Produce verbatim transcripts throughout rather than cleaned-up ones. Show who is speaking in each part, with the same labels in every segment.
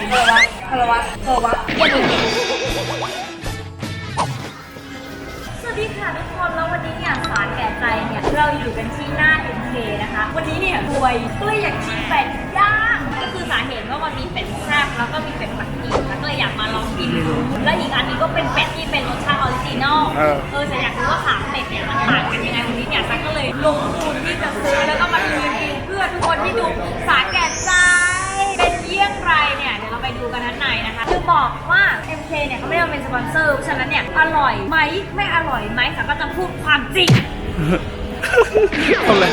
Speaker 1: คารวะคารวะคารวะอย่าลืมสวัสดีค่ะทุกคนแล้ววันนี้เนี่ยสารแก่ใจเนี่ยเราอยู่กันที่หน้า เอ็ม เค นะคะวันนี้เนี่ยรวยก็เลยอยากชิมเป็ดย่างก็คือสาเหตุว่ามันมีเป็ดแซ่บแล้วก็มีเป็ดปักกิ่งแล้วก็เลยอยากมาลองกินดูและอีกอันนี้ก็เป็นเป็ดที่เป็นรสชาติออริจินอลเออแต่อยากรู้ว่าสามเป็ดเนี่ยมันต่างกันยังไงวันนี้เนี่ยซันก็เลยลงทุนที่จะซื้อแล้วก็มารีวิวเพื่อทุกคนที่ดูสารแก่ใจเป็นเยี่ยงไรเนี่ยเดี๋ยวเราไปดูกันด้านในนะคะคือบอกว่า เอ็ม เค เนี่ยเขาไม่ได้มาเป็นสปอนเซอร์เพราะฉะนั้นเนี่ยอร่อยไหมไม่อร่อยไหมแต่ก็จะพูดความจริง
Speaker 2: ทำอะไร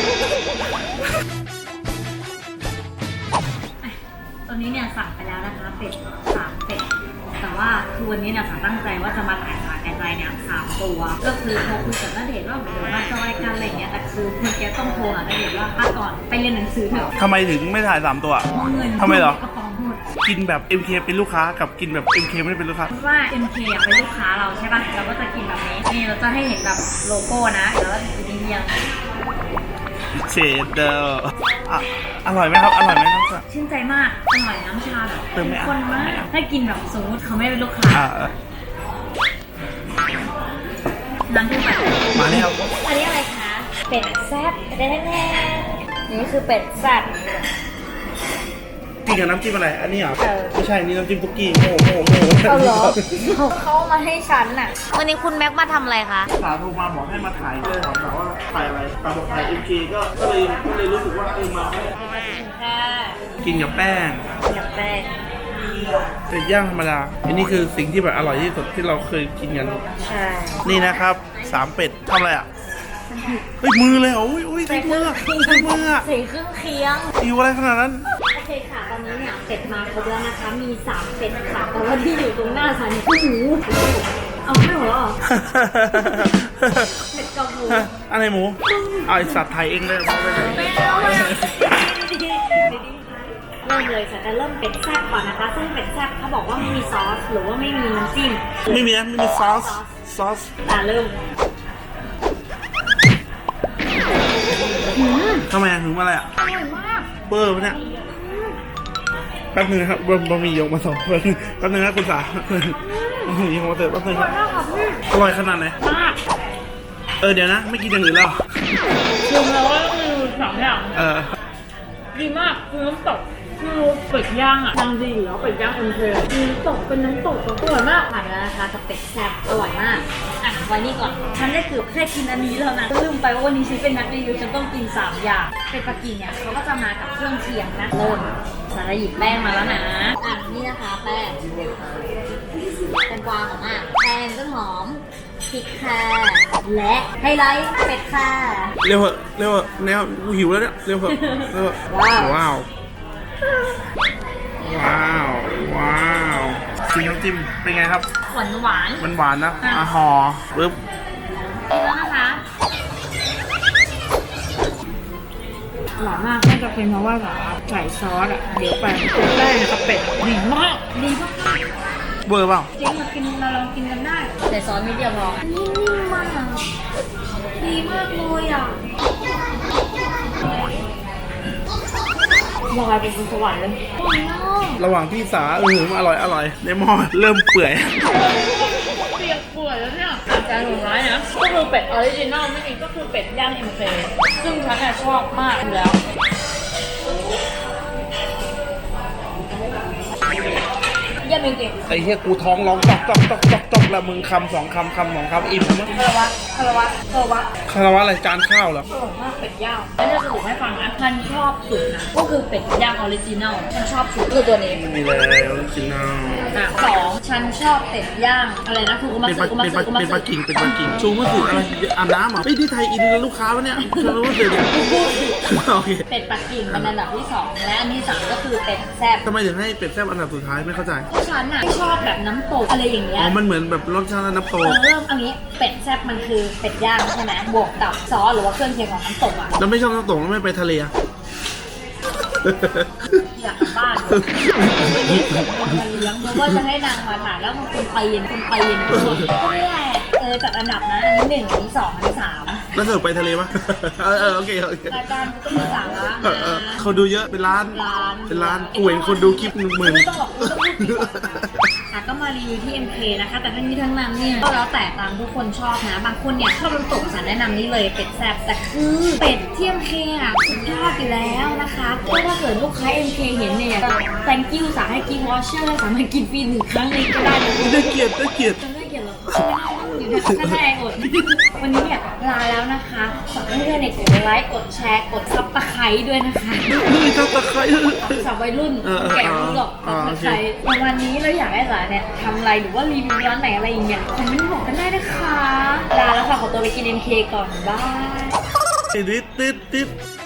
Speaker 1: ตอนนี้เนี่ยสั่งไปแล้วนะคะเป็ดสามเป็ดแต่ว่าคือวันนี้เนี่ยสั่งตั้งใจว่าจะมาถ่ายสารแก่ใจเนี่ยสามตัวก็คือโทรคุยกับณเดชน์ว่าเดี๋ยวมาจอยกันอะไรเงี้ยแต่คือคุณแกต้องโทรหาณเดชน์ว่าพักก่อนไปเรียนหนังสือเถอะ
Speaker 2: ทำไมถึงไม่ถ่ายสามตัว
Speaker 1: เงิน
Speaker 2: ทำไมเหรอ
Speaker 1: กระป๋องหมด
Speaker 2: กินแบบ เอ็ม เค เป็นลูกค้ากับกินแบบ เอ็ม เค ไม่ได้เป็นลูกค้า
Speaker 1: เพราะว่า เอ็ม เค อ่ะเป็นลูกค้าเราใช่ป่ะเราก็จะกินแบบนี้นี่เราจะให้เห็นแบบโลโก้นะเดี๋ยวเราจะกินเรียง
Speaker 2: เชดเดอร์อ่ะอร่อยไหมครับอร่อยไหมครับ
Speaker 1: ชื่นใจมากอร่อยน้ำชาแบบ
Speaker 2: เติมไม่
Speaker 1: ข้นมากถ้ากินแบบสมมติเขาไม่เป็นลูกค้าน้ำขึ้นไป
Speaker 2: มาแล้ว
Speaker 1: อันนี้อะไรคะเป็ดแซ่บแน่ๆนี่คือเป็ดแซ่บ
Speaker 2: กินกับน้ำจิ้มอะไรอันนี้เหรอไม่ใช่นี่น้ำจิ้มตุ๊กกี้โม่โม่โม่
Speaker 1: เอาเหรอเขามาให้ฉันน่ะวันนี้คุณแม็กมาทำอะไรคะ
Speaker 2: สาโทรมาบอกให้มาถ่ายเลยถามว่าถ่ายอะไรตาบอกถ่าย เอ็ม เค ก็ก็เลยก็เลยรู้สึกว่าเออมากินกับแป้ง
Speaker 1: กับแป้ง
Speaker 2: เป็ดย่างธรรมดาอันนี้คือสิ่งที่แบบอร่อยที่สุดที่เราเคยกินกัน
Speaker 1: ใช่
Speaker 2: นี่นะครับสามเป็ดทำอะไรอ่ะเฮ้ยมือเลยอุ้ยอุ้ยใส่มือใส่มือ
Speaker 1: ใส่เครื่องเคียง
Speaker 2: อยู่อะไรขนาดนั้น
Speaker 1: โอเคค่ะตอนนี้เนี่ยเป็ดมาครบแล้วนะคะมีสามเป็ดค่ะแต่ว่าที่อยู่ตรงหน้าฉันคือหมูเอาไม่หัวหรอเป็ดกับหมู
Speaker 2: อะไรหมูเอาไอสัตว์ไทยเองเลย
Speaker 1: ไม่เอาเลยเริ่มเลยค่ะจะเริ่มเป็ดแซ่บก่อนนะคะซึ่งเป็ดแซ่บเขาบอกว่าไม่มีซอสหรือว่าไม่มีน้ำจิ้ม
Speaker 2: ไม่มีนะไม่มีซอสซอส
Speaker 1: อ่ะเริ่ม
Speaker 2: ทำไมถึงอะไรอ่ะ
Speaker 1: อร่อยมาก
Speaker 2: เบอร์ปะเนี่ยแป๊บนึงนะครับบะหมี่ยกมาสองคนแป๊บนึงนะคุณสาบะหมี่ยกมาเติมแป๊บนึงครับอร่อยขนาดไหน
Speaker 1: มาก
Speaker 2: เออเดี๋ยวนะไม่กินอย่างอื่นแล้ว
Speaker 1: รวมแล้วก็คือสองอย่าง
Speaker 2: เออ
Speaker 1: ดีมากคือน้ำตกคือเป็ดย่างอ่ะดังดีอยู่แล้วเป็ดย่างเอ็ม เคคือน้ำตกเป็นน้ำตกอร่อยมากผ่านแล้วนะคะกับเป็ดแซ่บอร่อยมากอ่ะไว้นี่ก่อนฉันได้เกือบแค่กินอันนี้แล้วนะลืมไปว่าวันนี้ฉันเป็นนักรีวิวฉันต้องกินสามอย่างเป็ดปักกิ่งเนี่ยเขาก็จะมากับเครื่องเคียงนะเริ่มสารหยิบแป้งมาแล้วนะอ่ะนี่นะคะแป้งแตงกวาของอ่ะแป้งต้นหอมพริกค่ะและไฮไลท์เป็ดค่ะ
Speaker 2: เร็วเหอะเร็วเหอะแนวกูหิวแล้วเนี่ยเร็วเหอะเร็วว้าวว้าวว้าวว้าวกินน้ำจิ้มเป็นไงครับ
Speaker 1: หวานหวาน
Speaker 2: มันหวานนะอ่ะห่อปึ๊บ
Speaker 1: กินแล้วนะคะอร่อยมากน่าจะเป็นเพราะว่าใส่ซอสอ่ะเดี๋ยวไปแป้งกับเป็ดดีมากดีมาก
Speaker 2: เบอร์เปล่า
Speaker 1: จริงมากินเราลองกินกันได้ใส่ซอสนิดเดียวพอนิ่มๆมากดีมากเลยอ่ะลอยเป็นสวรรค์เลย
Speaker 2: ระหว่างที่สาเอออร่อยอร่อยในหม้อเริ่มเปื่อย
Speaker 1: เปียกเปื่อยแล้วเนี่ยจานสุดท้ายนะก็คือเป็ดออริจินอลไม่เองก็คือเป็ดย่าง เอ็ม เค ซึ่งฉันชอบมากอยู่แล้วยังมีเก่ง
Speaker 2: ไอ้เหี้ยกูท้องร้องจอกจอกจอกจอกจอกแล้วมึงคำสองคำคำสองคำอิ่มมั้ง
Speaker 1: คารวะคารวะคารวะ
Speaker 2: คารวะอะไรจานข้าวเหรอ
Speaker 1: อร่อยมากเป็ดย่างแล้วจะสรุปให้ฟังนะฉันชอบสุดนะก็คือเป็ดย่างออริจินอลฉันชอบสุดคือตัวนี้
Speaker 2: มีเลยออริจินอล
Speaker 1: อ่ะสองฉันชอบเป็ดย่างอะไรนะคือกูมาซื้อกูมาซื้อกูมาซื้อ
Speaker 2: เป็นปักกิ่งเป็นปักกิ่งชูมาซื้ออะไรอาบน้ำอ่ะไม่ที่ไทยอินลูกค้าวะเนี่ยชูมาซื้อเนี่ยโอเค
Speaker 1: เป็ดปักกิ่งเป็นอันดับที่สองและอันที่สามก็คือเป็ดแซ่บ
Speaker 2: ทำไมถึงให้เป็ดแซ่บอันดับสุดท้ายไม่เข้าใจ
Speaker 1: เพราะฉันอ่ะไม่ชอบแบบน้ำตกอะไรอย่างเงี้ย
Speaker 2: อ๋อมันเหมือนแบบรสชาติน้ำตก
Speaker 1: เริ่มอันนี้เป็ดแซ่บมันคือเป็ดย่างใช่ไหมบวกกับซอสหรือว่าเครื่องเคียงของน้ำตกอ่ะ
Speaker 2: แล้วไม่ชอบน้ำตกแล้วไม่ไปทะเล
Speaker 1: อยากกลับบ้านมาเลี้ยงเพราะว่าจะให้นางมาถ่ายแล้วมันคนปีนคนปีนก็นี่แหละเออจัดอันดับนะอันนี้หนึ่งอันนี้สองอันนี้สาม
Speaker 2: แล้วเสิร์ฟไปทะเลปะเออเออโอเคโอเค
Speaker 1: รายการก็มีสาระ
Speaker 2: เออเออเขาดูเยอะเป็นล้าน
Speaker 1: ร้าน
Speaker 2: เป็นล้านกูเห็นคนดูคลิปหนึ่งหมื่น
Speaker 1: ไม่ต้องหรอกไม่ต้องพูดดีกว่าค่ะก็มารีวิวที่ เอ็ม เค นะคะ แต่ทั้งนี้ทั้งนั้นเนี่ยก็แล้วแต่ตามทุกคนชอบนะ บางคนเนี่ยชอบน้ำตกฉันแนะนำนี่เลยเป็ดแซ่บแต่คือเป็ดที่ เอ็ม เค อ่ะสุดยอดอยู่แล้วนะคะก็ถ้าเกิดลูกค้า เอ็ม เค เห็นเนี่ย thank you สาให้กินวอชเชอร์และสามารถกินฟรีหนึ่งครั้งเลยก็ได้เลย
Speaker 2: ได้เกียรติได้เกียรติ
Speaker 1: จะไม่เกี่ยวหรอกอยู่ในข้างในอดวันนี้เนี่ยลาแล้วนะคะฝากเพื่อนๆเนี่ยกดไลค์กดแชร์กดซับสไครต์ด้วยนะคะ
Speaker 2: นี่ครับตะไคร้
Speaker 1: สาววัยรุ่น
Speaker 2: เออเออ
Speaker 1: แก่ไม่รู้หรอก
Speaker 2: อ๋อ
Speaker 1: ซั
Speaker 2: โอบ เค
Speaker 1: สไครต์วันนี้เราอยากให้สาเนี่ยทำอะไรหรือว่ารีวิวร้านไหนอะไรอย่างเงี้ยคอมเมนต์บอกกันได้นะคะลาแล้วค่ะขอตัวไปกิน เอ็ม เค ก่อนบาย
Speaker 2: ติดติดติด